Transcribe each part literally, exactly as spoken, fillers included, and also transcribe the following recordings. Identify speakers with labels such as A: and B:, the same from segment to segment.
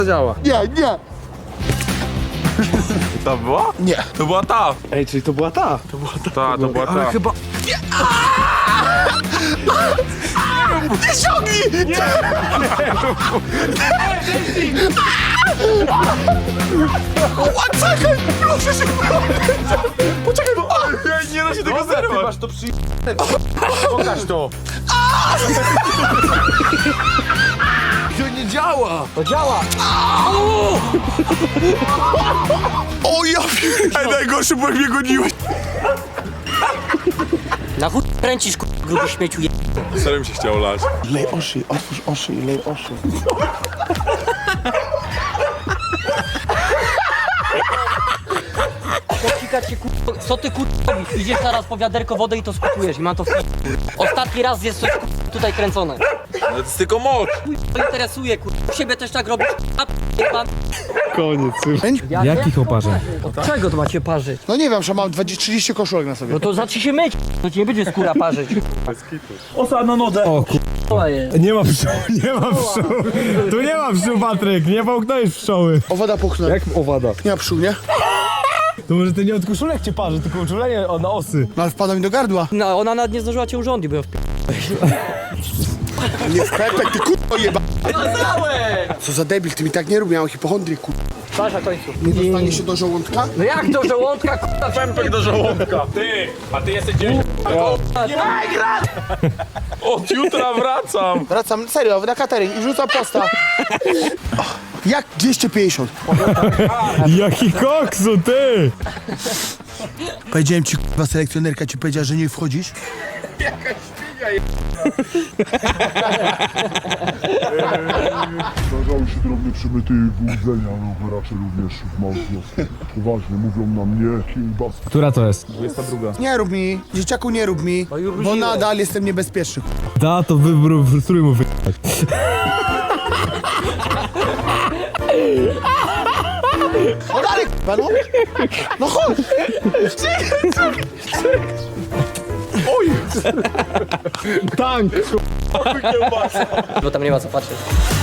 A: działa.
B: Nie, nie.
C: To była?
B: Nie.
C: To była ta.
A: Ej, czyli to była ta. To była ta.
C: Ta, to była
A: Ale
C: ta.
A: chyba...
B: Nie ciągnij! Nie! Czekaj! Proszę się! Poczekaj, bo...
C: Nie da się tego zerwać.
A: Masz to przy... Pokaż to. To nie działa.
D: To działa!
B: O ja pierdolę!
C: Ej, najgorszy, bo jak mnie goniłeś.
D: Na chuj kręcisz, k***, gruby śmieciu je...
C: Serio mi się chciało lać.
B: Lej oszy, otwórz oszy i lej oszy.
D: Pokika cię, k***, co ty, k***, robisz? Idziesz zaraz po wiaderko wody i to skupujesz i mam to w... Ostatni raz jest coś, k***, tutaj kręcone.
C: Ale to jest tylko moc.
D: To interesuje, k***, u siebie też tak robisz, a pan...
A: Koniec.
D: Jak,
E: Jakich oparzeń?
D: Od czego to macie parzyć?
B: No nie wiem, że mam dwadzieścia trzydzieści koszulek na sobie.
D: No to zacznij się myć, to ci nie będzie skóra parzyć.
E: Osa na nodze! O ku...
D: To jest.
E: Nie ma pszczół, nie ma pszczół! Tu nie ma pszczół, Patryk, nie połknąłeś pszczoły.
B: Owada puchnę.
A: Jak owada?
B: Nie ma pszczół, nie?
E: To może ty nie od koszulek cię parzy, tylko uczulenie na osy.
B: No ale wpada mi do gardła.
D: No ona nawet nie zdążyła cię urządzić, bo ja w...
B: Nie w pepek, ty kurwa jeba. Co za debil, ty mi tak nie rób, miałem hipochondrię, kurwa.
D: Patrz na końcu.
B: Nie dostanie się do żołądka?
D: No jak do żołądka, k***a,
C: Pępek do żołądka. Ty, a ty jesteś gdzieś. Od jutra wracam.
B: Wracam, serio, na catering i wrzucam posta. Jak dwieście pięćdziesiąt?
E: Jaki koksu, ty!
B: Powiedziałem ci, kurwa, selekcjonerka ci powiedziała, że nie wchodzisz?
F: Zdarzały się drobne przemyty i wyłudzenia, no raczej również w małych wioskach. Poważnie mówią na mnie, kiełbas.
E: Która to jest?
B: Nie rób mi, dzieciaku nie rób mi, bo nadal jestem niebezpieczny.
E: Da, to wybór, strój mu wy...
B: No dalej, kurwa, no. No chodź.
A: Tank!
D: bo tam nie ma co patrzeć.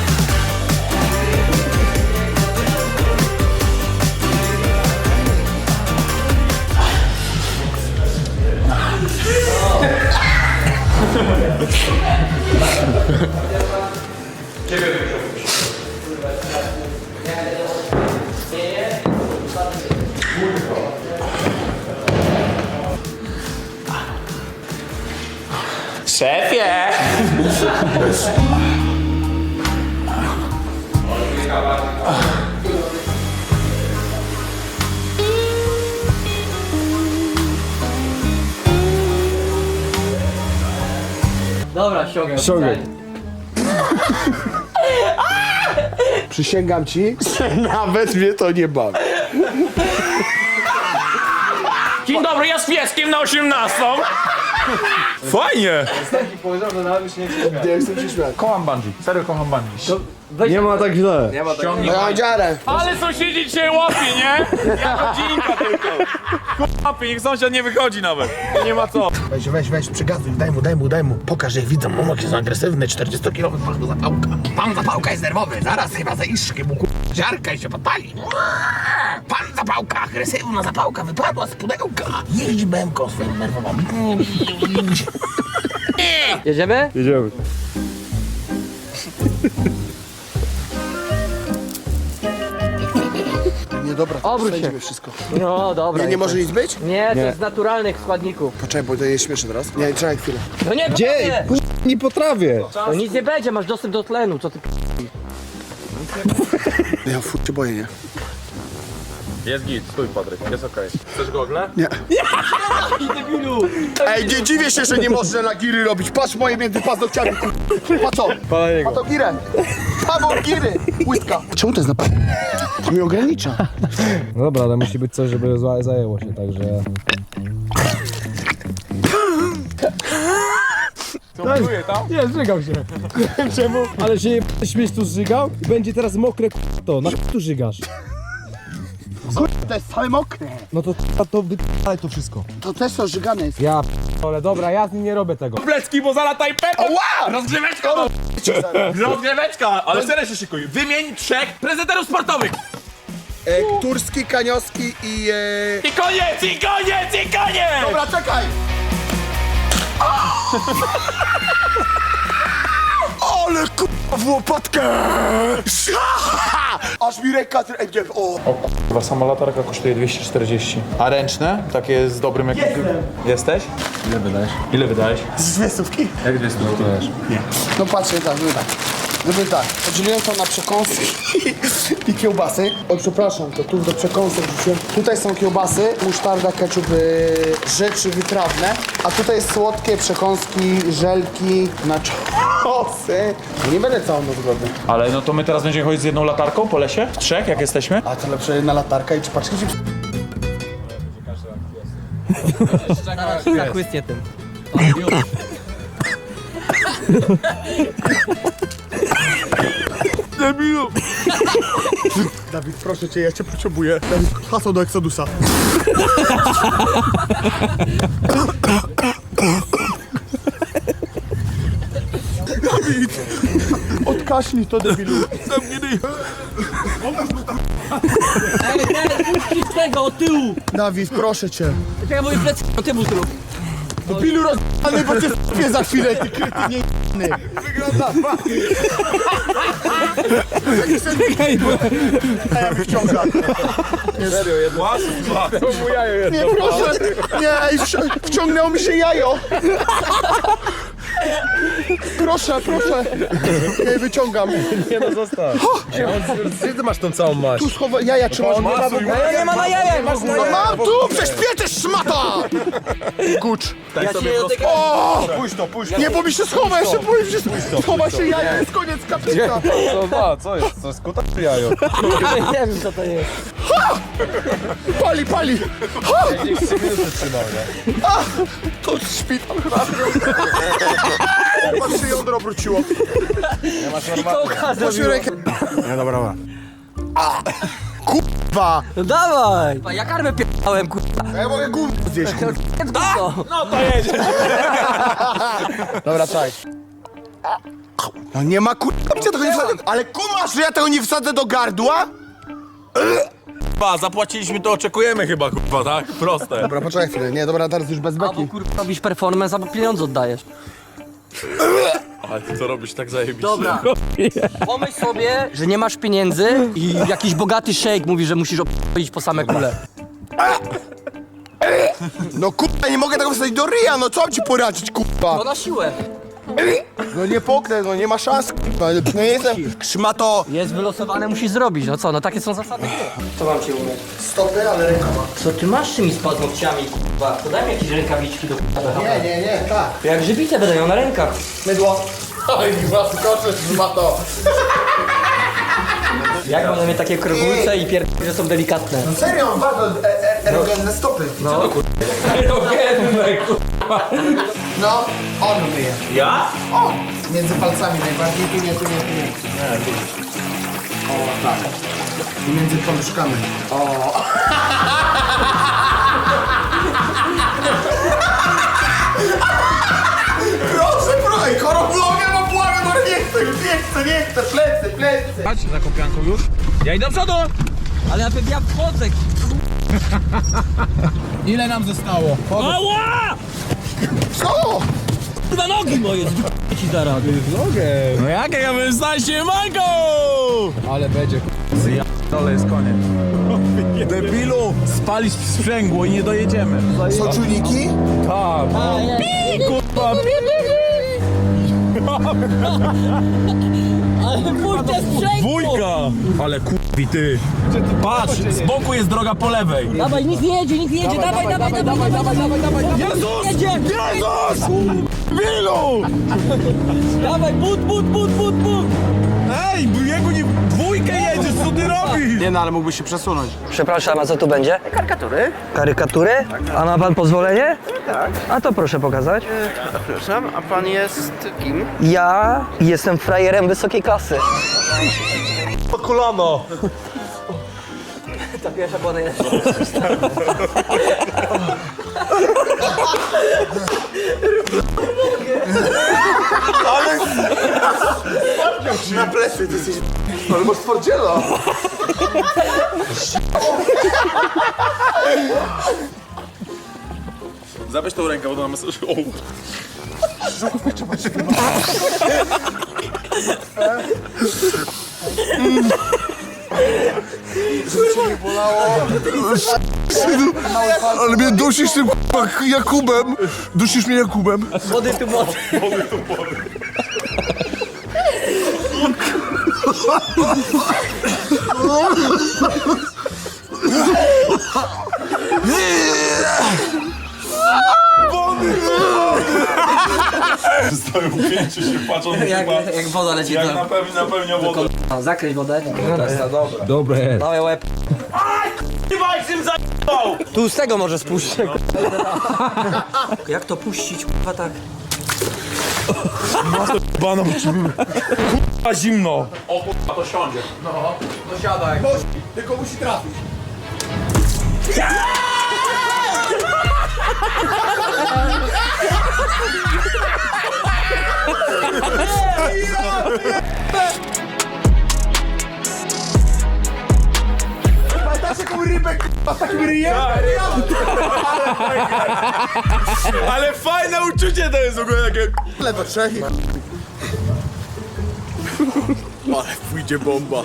C: Szefie!
D: Dobra, ściągam.
A: Ściągaj.
B: Przysięgam ci, że nawet mnie to nie bawi.
C: Dzień dobry, ja z pieskiem na osiemnastą. Fajnie.
B: Nie chcę się śmiać.
C: Kocham bungee, serio kocham bungee.
A: Nie ma tak źle.
B: No ja mam dziarę.
C: Ale sąsiedzi dzisiaj łapie, nie? Ja godzinka tylko. Łapie, niech sąsiad nie wychodzi nawet. Nie ma co.
B: Weź, weź, weź, przygazuj, daj mu, daj mu, daj mu. Pokaż, jak widzą, momok jest agresywny, czterdziestokilowy pan zapałka. Pan zapałka jest nerwowy, zaraz chyba za iszki mu k***a ziarka i się podpali. Pan zapałka, agresywna zapałka wypadła z pudełka. Jeździ bębką swoim nerwową.
D: Jedziemy?
A: Jedziemy.
B: Nie, dobra,
D: Obróć się.
B: spędzimy wszystko.
D: No dobra.
B: Nie, nie może nic być?
D: Nie, to jest z naturalnych składników.
B: Poczekaj, bo to jest śmieszne teraz. Nie, czekaj chwilę.
D: No nie,
A: Gdzie?
D: nie.
A: Nie potrafię.
D: To nic nie będzie, masz dostęp do tlenu, co ty p...
B: Ja f*** się boję, nie?
C: Jest git, stój Patryk, jest okej. Chcesz gogle?
B: Nie. Ej, nie dziwię się, że nie można na giry robić. Patrz moje między paznokciami. Pa co?
A: Pana jego.
B: Pa to girę. Paweł giry. Łydka. Czemu to jest na... To mnie ogranicza.
E: No dobra, ale musi być coś, żeby za- zajęło się, także...
C: Co buduje tam?
E: Nie, zżygał się. Nie wiem czemu, ale się je śmieć tu zżygał i będzie teraz mokre k***, to. Na k*** tu żygasz.
B: To jest całe mokre.
E: No to k***, to wyp***aj to wszystko.
B: To też to żygane jest.
E: Ja p***ole, dobra, ja z nim nie robię tego.
C: Plecki, bo zalata i pepę!
B: Ła!
C: Rozgrzeweczka! Rozgryweczka, ale serio się szykuj. Wymień trzech prezenterów sportowych.
B: E, Turski, Kaniowski i... E...
C: I koniec, i koniec, i koniec!
B: Dobra, czekaj! Ale k***a w łopatkę! Aż mi ręka... Ej, gdzie- o!
C: Chyba sama latarka kosztuje dwieście czterdzieści. A ręczne? Takie z dobrym jakimś... Jesteś? Ile wydajesz? Ile wydajesz?
B: Z dwie stówki?
C: Jak dwie stówki dajesz?
B: No patrzcie tak, żeby tak. Żeby tak, podzieliłem to na przekąski i kiełbasy. O, przepraszam, to tu do przekąsek wrzuciłem. Tutaj są kiełbasy, musztarda, ketchup, yy, rzeczy wytrawne. A tutaj jest słodkie przekąski, żelki, naczosy. No nie będę całą noc głodny.
C: Ale no to my teraz będziemy chodzić z jedną latarką po lesie? W trzech, jak jesteśmy?
B: A to lepsze jedna latarka i czy paczki ci...
D: Zachłysnie tym.
B: Dawid, proszę cię, ja cię potrzebuję. Dawid, hasło do Exodusa. Dawid! Odkaśnij to, debilu.
D: Ej, ej, puścić tego od tyłu!
B: Dawid, proszę cię.
D: Czekaj, moje plecy, no ty mu zrób.
B: Debilu rozjebany, bo cię s***ie za chwilę, ty kretynie j***ny. Wygląda, Czekaj, bo... A ja wyciągam.
C: Serio, jedno?
B: Nie, proszę. Nie, ej, wci- wciągnęło mi się jajo. Proszę, proszę. Nie, wyciągam.
E: Nie no, zostaw. Gdzie ty masz tą całą maść?
B: Tu schowa... Jaja trzymasz.
D: Ja nie ma na jaja, masz na
B: No
D: jaja.
B: mam tu, prześpietesz, szmata! Gucz.
D: Ja się do tego...
B: O!
E: Pójdź to, pójdź to.
B: Nie, bo mi się schowa, jeszcze boję się schowa się jaja, jest koniec kaplica.
E: Co ma, co jest? To jest kuta czy jajo?
D: Nie wiem co to jest.
B: Pali, pali.
E: Niech trzy minuty trzymał, nie?
B: A, to szpital chyba. Chyba się jądro obróciło. Proszę rękę. Nie, dobra, dobra. A, kurwa.
D: No dawaj! Ja karmę p***ałem, kurwa.
B: Ja mogę gówno zjeść, kurwa.
D: No.
C: No to jedzie.
B: Dobra, czaj. No nie ma kurwa, gdzie tego nie wsadzę. Ale kumasz, że ja tego nie wsadzę do gardła?
C: Ba, zapłaciliśmy, to oczekujemy chyba, kurwa, tak? Proste.
B: Dobra, poczekaj chwilę. Nie, dobra, teraz już bez
D: Albo
B: beki.
D: kurwa robisz performance, albo pieniądze oddajesz.
C: Ale ty co robisz tak zajebiście?
D: Dobra. Pomyśl sobie, że nie masz pieniędzy i jakiś bogaty szejk mówi, że musisz iść po same kule.
B: No kurwa, nie mogę tego wsadzić do ryja, no co mam ci poradzić, kurwa?
D: No na siłę.
B: No nie poknę, no nie ma szans, kurwa. No nie jestem szmato.
D: Jest wylosowane, musisz zrobić. No co, no takie są zasady gry. Co mam ci umieć?
B: Stopy, ale rękoma.
D: Co ty masz z tymi paznokciami, kurwa? To daj mi jakieś rękawiczki do kurwa.
B: Nie, nie, nie, tak.
D: Jak żywite będą na rękach.
B: Mydło. Oj, was skoczesz, szmato.
D: Jak będą mieć takie krogulce i pier... że są delikatne.
B: No serio, mam bardzo e, e, erogenne stopy.
D: No.
B: No, on myje.
C: Ja?
B: O! Między palcami najbardziej, tu nie, tu nie, tu nie. O, tak. I między paluszkami. O! Proszę, proszę, choroblogę mam błagę, no nie chcę, nie chcę, nie chcę, plecy, plecy.
C: Patrz za kopianką już. Ja idę do przodu!
D: Ale ja, ja wchodzę.
E: Ile nam zostało?
C: Ała!
B: Co?
D: Kurwa nogi moje, z***ę ci zaraz.
E: Nogę.
C: No jak ja bym znajdzie mango!
E: Ale będzie.
C: Dole jest koniec. Debilu, spalić sprzęgło i nie dojedziemy.
B: Są czujniki?
E: Tak.
C: Kurwa,
D: Ale pójdę sprzęgło.
C: dwójka! Ale kurwi ty. Patrz, z boku jest droga po lewej.
D: Dawaj, nic nie jedzie, nic nie jedzie, dawaj, dawaj, dawaj, dawaj, dawaj, dawaj, dawaj, dawaj,
C: Jezus!
D: jedzie.
C: Jezus! Wilu!
D: Dawaj, but, but, but, but, but.
C: Ej, jego nie... Dwójkę jedziesz, co ty robisz?
B: Nie no, ale mógłbyś się przesunąć.
D: Przepraszam, a co tu będzie? Karykatury. Karykatury? A ma pan pozwolenie?
G: Tak.
D: A to proszę pokazać.
G: Przepraszam, a pan jest kim?
D: Ja jestem frajerem wysokiej klasy.
E: Po kolano.
D: Ta pierwsza była najlepsza.
B: Na plecy, ty jesteś... Ale masz twardziela.
C: Zabierz tą rękę, bo to mamy... O.
F: Ale mnie dusisz tym k***a Jakubem. Dusisz mnie Jakubem.
D: Wody tu wody.
C: Stoją pięciu się patrzą na
D: Jak,
C: chyba...
D: jak woda leci
C: Jak
D: do...
C: napełni, napełnia wodę.
D: No, zakryć wodę.
E: Dobre jest.
D: Dawaj łeb. Tu z tego może spuścić. Jak to puścić, kurwa, tak?
C: A zimno. O kurwa, to siądzie.
B: Tylko musi trafić. Pamiętasz jaką rybę k***a z takim ryjem?
C: Ale fajne uczucie to jest w ogóle takie...
B: Ale do trzech i... Ale pójdzie bomba.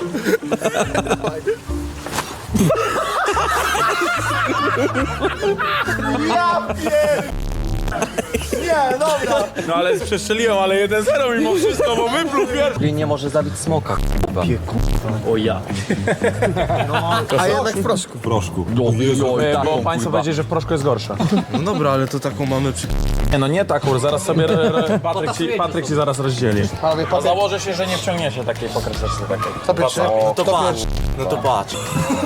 B: Ja pier... Nie, dobra.
C: No ale przestrzeliłem, ale jeden zero mimo wszystko, bo wypluł pierwszy.
D: Nie może zabić smoka.
C: O ja.
B: A jednak w proszku.
C: Bo państwo powiedzieli, że w proszku jest gorsza.
A: No dobra, ale to taką mamy przy...
C: Nie no nie tak, zaraz sobie re, re, Patryk, ci, Patryk ci zaraz rozdzieli.
B: Panowie,
C: A
B: Patryk,
C: założę się, że nie wciągniecie takiej pokreseczki takiej.
B: to pierwszy.
C: O,
A: To patrz. No to patrz.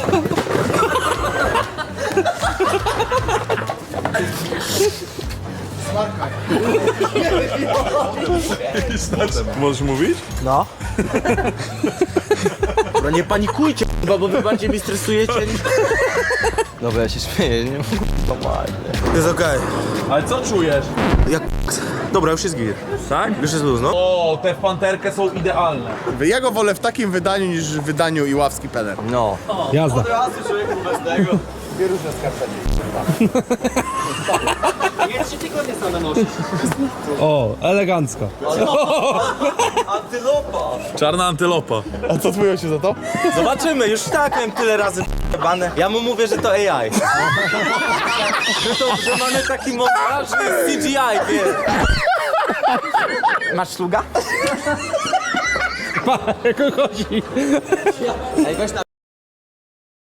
C: Możesz mówić?
A: No nie panikujcie, chyba, bo wy bardziej mi stresujecie. Dobra, ja się śmieję, nie? Jest okej.
C: Ale co czujesz?
A: Jak... Dobra, już jest gir.
C: Tak?
A: Już jest luz, no.
C: O, te w panterkę są idealne.
B: Ja go wolę w takim wydaniu niż w wydaniu Iławski Peler.
A: No.
E: Jazda.
C: Razy człowieku bez tego.
B: Dwie różne skarpety.
D: Nie trzy tygodnie same nosisz.
E: O, elegancko.
C: Czarna antylopa.
B: A co twój się za to?
A: Zobaczymy, już tak miałem tyle razy p***bane. Ja mu mówię, że to A I. że, to, że mamy taki montażny C G I, wiesz.
B: Masz sługa?
E: Jak chodzi.
D: Ej, weź tam.